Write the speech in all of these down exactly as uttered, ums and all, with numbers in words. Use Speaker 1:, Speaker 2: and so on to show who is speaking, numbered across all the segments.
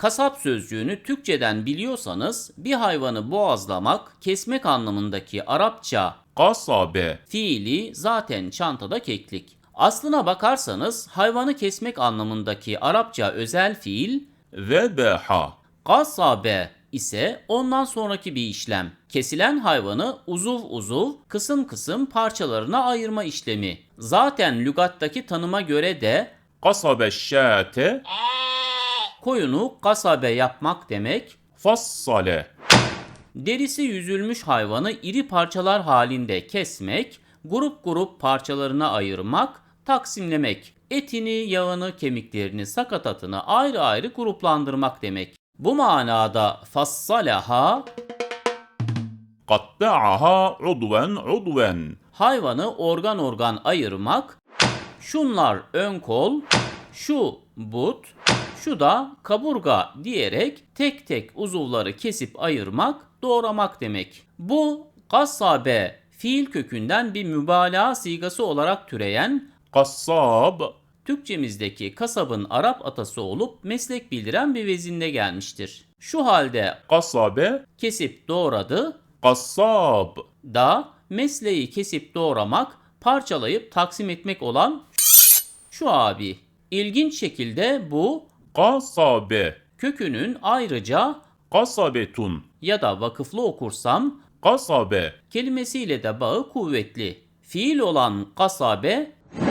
Speaker 1: Kasap sözcüğünü Türkçeden biliyorsanız bir hayvanı boğazlamak, kesmek anlamındaki Arapça
Speaker 2: قصبة
Speaker 1: fiili zaten çantada keklik. Aslına bakarsanız hayvanı kesmek anlamındaki Arapça özel fiil
Speaker 2: ذبح
Speaker 1: kasabe ise ondan sonraki bir işlem. Kesilen hayvanı uzuv uzuv, kısım kısım parçalarına ayırma işlemi. Zaten lügattaki tanıma göre de
Speaker 2: قصب الشاة
Speaker 1: koyunu kasabe yapmak demek.
Speaker 2: فصل
Speaker 1: Derisi yüzülmüş hayvanı iri parçalar halinde kesmek, grup grup parçalarına ayırmak, taksimlemek. Etini, yağını, kemiklerini, sakatatını ayrı ayrı gruplandırmak demek. Bu manada fassalaha
Speaker 2: قطعها عضوا عضوا
Speaker 1: hayvanı organ organ ayırmak, şunlar ön kol, şu but, şu da kaburga diyerek tek tek uzuvları kesip ayırmak, doğramak demek. Bu kasabe fiil kökünden bir mübalağa sigası olarak türeyen
Speaker 2: قصاب
Speaker 1: Türkçemizdeki kasabın Arap atası olup meslek bildiren bir vezinde gelmiştir. Şu halde
Speaker 2: قصب
Speaker 1: kesip doğradı
Speaker 2: قصاب
Speaker 1: da mesleği kesip doğramak, parçalayıp taksim etmek olan şu abi. İlginç şekilde bu
Speaker 2: قصب
Speaker 1: kökünün ayrıca
Speaker 2: قصبة
Speaker 1: ya da vakıflı okursam
Speaker 2: قصب
Speaker 1: kelimesiyle de bağı kuvvetli. Fiil olan kasabe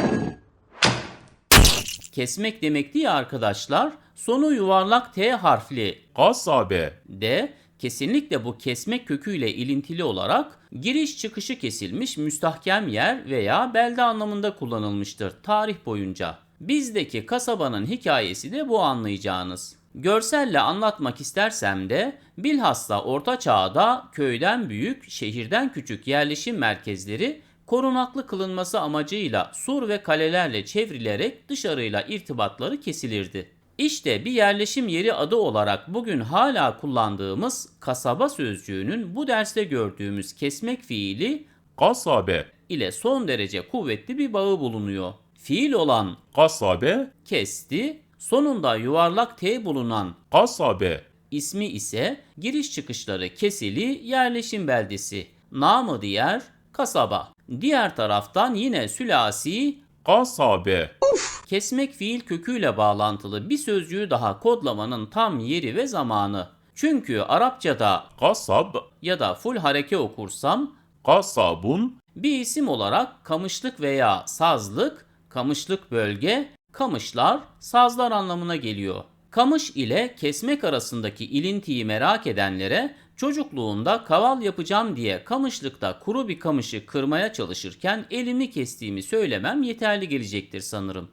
Speaker 1: kesmek demekti ya arkadaşlar. Sonu yuvarlak T harfli
Speaker 2: قصب
Speaker 1: de kesinlikle bu kesmek köküyle ilintili olarak giriş çıkışı kesilmiş müstahkem yer veya belde anlamında kullanılmıştır tarih boyunca. Bizdeki kasabanın hikayesi de bu anlayacağınız. Görselle anlatmak istersem de bilhassa Orta Çağ'da köyden büyük, şehirden küçük yerleşim merkezleri korunaklı kılınması amacıyla sur ve kalelerle çevrilerek dışarıyla irtibatları kesilirdi. İşte bir yerleşim yeri adı olarak bugün hala kullandığımız kasaba sözcüğünün bu derste gördüğümüz kesmek fiili
Speaker 2: قصب
Speaker 1: ile son derece kuvvetli bir bağı bulunuyor. Fiil olan
Speaker 2: قصب
Speaker 1: kesti, sonunda yuvarlak T bulunan
Speaker 2: قصب
Speaker 1: ismi ise giriş çıkışları kesili yerleşim beldesi, namı diğer kasaba. Diğer taraftan yine sülasi
Speaker 2: قصب
Speaker 1: kesmek fiil köküyle bağlantılı bir sözcüğü daha kodlamanın tam yeri ve zamanı. Çünkü Arapçada
Speaker 2: قصب
Speaker 1: ya da full hareke okursam
Speaker 2: قصب
Speaker 1: bir isim olarak kamışlık veya sazlık, kamışlık bölge, kamışlar, sazlar anlamına geliyor. Kamış ile kesmek arasındaki ilintiyi merak edenlere çocukluğunda kaval yapacağım diye kamışlıkta kuru bir kamışı kırmaya çalışırken elimi kestiğimi söylemem yeterli gelecektir sanırım.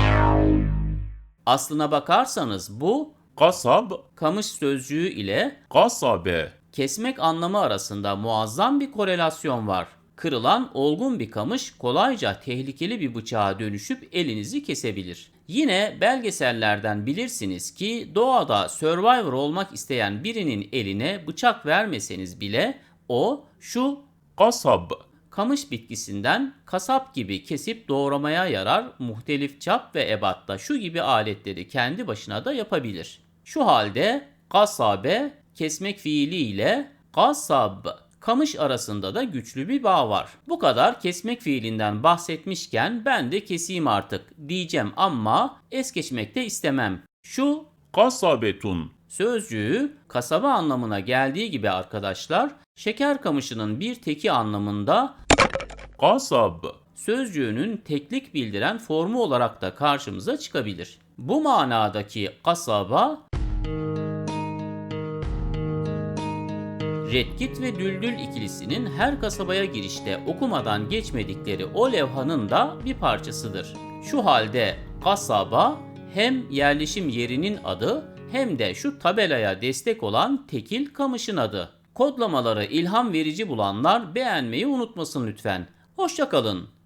Speaker 1: Aslına bakarsanız bu
Speaker 2: قصب
Speaker 1: kamış sözcüğü ile
Speaker 2: قصب
Speaker 1: kesmek anlamı arasında muazzam bir korelasyon var. Kırılan olgun bir kamış kolayca tehlikeli bir bıçağa dönüşüp elinizi kesebilir. Yine belgesellerden bilirsiniz ki doğada survivor olmak isteyen birinin eline bıçak vermeseniz bile o şu
Speaker 2: قصب
Speaker 1: kamış bitkisinden kasap gibi kesip doğramaya yarar, muhtelif çap ve ebatta şu gibi aletleri kendi başına da yapabilir. Şu halde kasabe kesmek fiili ile kasab kamış arasında da güçlü bir bağ var. Bu kadar kesmek fiilinden bahsetmişken ben de keseyim artık diyeceğim ama es geçmek de istemem. Şu
Speaker 2: قصبة
Speaker 1: sözcüğü kasaba anlamına geldiği gibi arkadaşlar, şeker kamışının bir teki anlamında
Speaker 2: قصب
Speaker 1: sözcüğünün teklik bildiren formu olarak da karşımıza çıkabilir. Bu manadaki kasaba, Redkit ve Düldül ikilisinin her kasabaya girişte okumadan geçmedikleri o levhanın da bir parçasıdır. Şu halde kasaba hem yerleşim yerinin adı hem de şu tabelaya destek olan tekil kamışın adı. Kodlamaları ilham verici bulanlar beğenmeyi unutmasın lütfen. Hoşça kalın.